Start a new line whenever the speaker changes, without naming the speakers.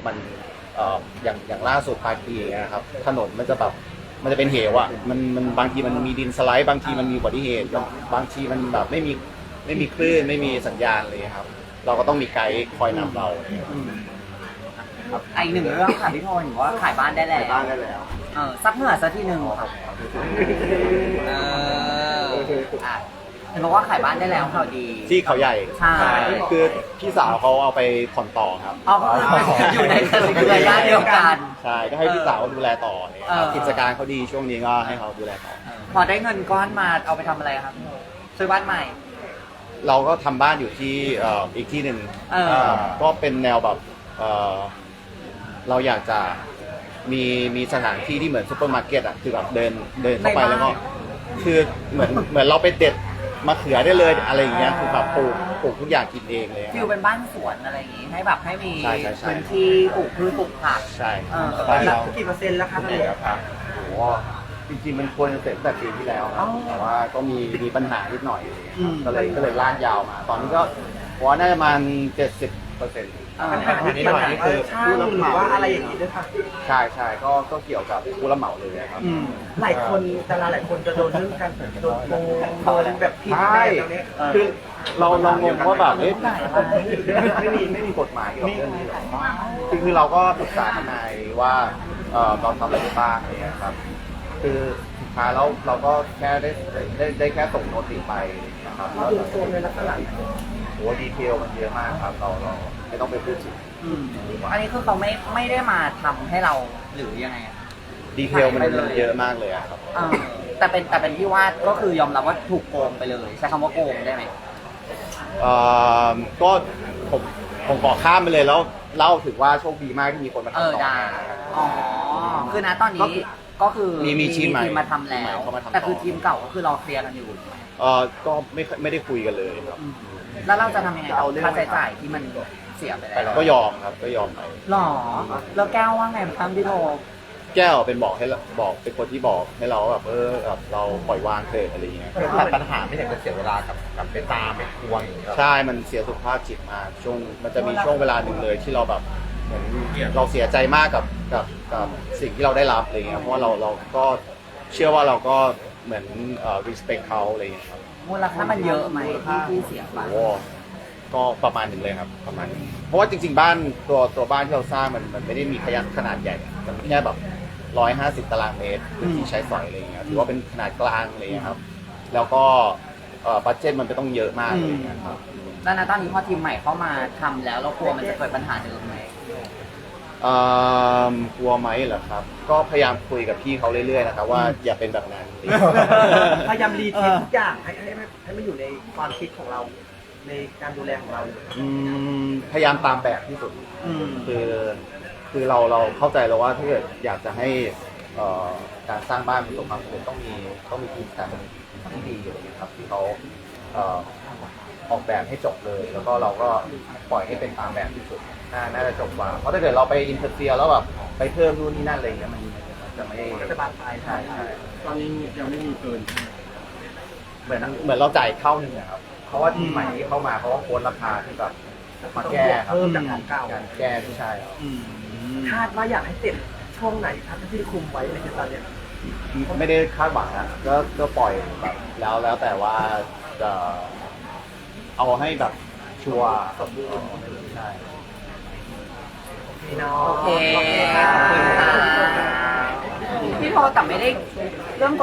มันอย่างล่าสุดปลายปีอย่างเงี้ยครับถนนมันจะแบบมันจะเป็นเหวอ่ะมันบางทีมันมีดินสไลด์บางทีมันมีอุบัติเหตุบางทีมันแบบไม่มีคลื่นไม่มีสัญญาณเลยครับเราก็ต้องมีไกด์คอยนำเรา
อีกหนึ่งเรื่องค่ะพี่โทนว่าขายบ้านได้แล้ว
บ้านได้แล้ว
ซับเหงื่อสักทีหนึ่งค่ะอ่ะเห็นบอกว่าขายบ้านได้แล้วข่าวดี
ที่เขาใหญ่
ใช่
คือพี่สาวเขาเอาไปผ่อนต่อครับ
เอาอยู่ในเครือญาติเดียวกัน
ใช่ก็ให้พี่สาวดูแลต่อเนี่ยครับ
เออ
กิจการเขาดีช่วงนี้ก็ให้เขาดูแลต่อ
พอได้เงินก้อนมาเอาไปทำอะไรครับซื้อบ้านใหม่
เราก็ทำบ้านอยู่ที่อีกที่หนึ่ง ก็เป็นแนวแบบเราอยากจะมีสถานที่ที่เหมือนซูเปอร์มาร์เก็ตอ่ะคือแบบเดินเข้าไปแล้วก็คือเหมือนเราไปเด็ดมะเขือได้เลยอะไรอย่างเงี้ยคือแบบปลูกทุกอย่างกินเองเลย
ฟิลเป็นบ้านสวนอะไรอย่างงี้ให้แบบให้มี
ใช่
พื้นที่ปลูกพืชปลูกผัก
ใช่
ส
บ้านเรา
กี่เปอร์เซ็นต์แล้วครับ
โอ้โหจริงๆมันควรจะเสร็จตั้งแต่ปีที่แล้วครับแต่ว่าก็มีปัญหานิดหน่อยก็เลยลากยาวมา ตอนนี้ก็ผมว่าน่าจะประมาณ70%
ปัญหา
นิดหน่อยนี่คือผู้รับ
ห
เห
รือ
มา
ว่าอะไรอย่างนี้ด้วยค่ะ
ใช่ก็เกี่ยวกับผู้รับเหมาเลยครับ
หลายคนดาราหลายคนจะโดนเรื่องการโดนโกงโดนแบบผิด
ใช่
แนวเนี้ย
คือเรางงว่าแบบไม่มีกฎหมายเกี่ยวกับเรื่องนี้หรอกคือเราก็ปรึกษาทนายว่าเราทำอะไรได้บ้างอะไรเงี้ยครับคือสุดท้ายแล้วเราก็แค่ได้แค่ส่งโน้ติไปนะครับแล้ว
โดนโกงในลักษณะไหน
โอ้ดีเทลมันเยอะมากครับเราไม่ต้องไปพูดถึง
อันนี้คือเขาไม่ได้มาทำให้เราหรือยังไงอะ
ดีเทลมันเยอะมากเลยอะครับ
แต่เป็นที่ว่าก็คือยอมรับว่าถูกโกงไปเลยใช้คำว่าโกงได้ไหม
ก็ผมขอข้ามไปเลยแล้วเล่าถึงว่าโชคดีมากที่มีคนมาทำต่อ
ได้อ๋อคือนะตอนนี้ก็คือ
มีทีมใหม่
มาทำแล้ว
เข้ามาทำต่อ
แต่คือทีมเก่าก็คือเราเคลียร์กันอยู่
ก็ไม่ได้คุยกันเลยครับ
แล้วเราจะทำยังไงกับค่าใช้จ่ายที่มันเสียไปแล้ว
ก็ยอมครับก็ยอมไป
หรอแล้วแก้วว่าไงบ้างพี่โท
แก้วเป็นเป็นคนที่บอกให้เราแบบแบบเราปล่อยวางเถอะอะไรอย่างเงี้ย
ตัดปัญหาไม่อยากจะเสียเวลากับไปตามไปทวงอย่างเงี้ย
ใช่มันเสียสุขภาพจิตมากมันจะมีช่วงเวลาหนึ่งเลยที่เราแบบเหมือนเราเสียใจมากกับสิ่งที่เราได้รับอะไรเงี้ยเพราะว่าเราก็เชื่อว่าเราก็เหมือนrespect เขาอะไรอย่างเงี้ยครับ
มูลค่ามันเยอะไหมที่เสียไป
โอ้ก็ประมาณหนึ่งเลยครับประมาณนึงเพราะว่าจริงๆบ้านตัวบ้านที่เราสร้างมันไม่ได้มีขนาดใหญ่มันแค่แบบ150 ตารางเมตรพื้นที่ใช้สอยอะไรอย่างเงี้ยถือว่าเป็นขนาดกลางอะไรอย่างเงี้ยครับแล้วก็บัดเจ็ตมันไม่ต้องเยอะมากอะไรอย่างเงี้ยครับ
แล้วนะตอนนี้พอทีมใหม่เข้ามาทำแล้วเรากลัวมันจะเกิดปัญหาเดิมไหม
กลัวไหมเหรอครับ ก็พยายามคุยกับพี่เขาเรื่อยๆนะครับว่าอย่าเป็นแบบนั้น
พยายามรีเทคทุกอย่างให้มันอยู่ในความคิดของเรา ในการดูแลของเรา
พยายามตามแบบที่สุดคือเราเข้าใจแล้วว่าถ้าเกิดอยากจะให้การสร้างบ้านประสบความสำเร็จต้องมีทีมการที่ดีอะไรอย่างเงี้ยครับที่เขาออกแบบให้จบเลย แล้วก็เราก็ปล่อยให้เป็นตามแบบที่สุดน่าจะจบกว่าเพราะถ้าเกิดเราไปอินเตอร์เฟียร์แล้วแบบไปเพิ่มนู่นนี่นั่นอะไรอย่างเงี้ยมันจะไม่
จะบานปลาย
ใช่
ตอนนี้ยังไม่มีเกิน
เหมือนเราจ่ายเข้าหนึ่งอะครับเพราะว่าทีมใหม่ที่เข้ามาเพราะว่าโค้ดราคาที่แบบมาแก้ครับ
เพิ่มจากของเก่า
การแก้ที่ใช่ครับ
คาดว่าอยากให้เสร็จช่วงไหนครับที่คุมไว้ในตอนเนี้ย
ไม่ได้คาดหวังนะก็ปล่อยแบบแล้วแต่ว่าจะเอาให้แบบชัวร์ใช่
พี่น้อง
โอเคขอบคุณค่ะพี่โทแต่ไม่ได้เรื่อง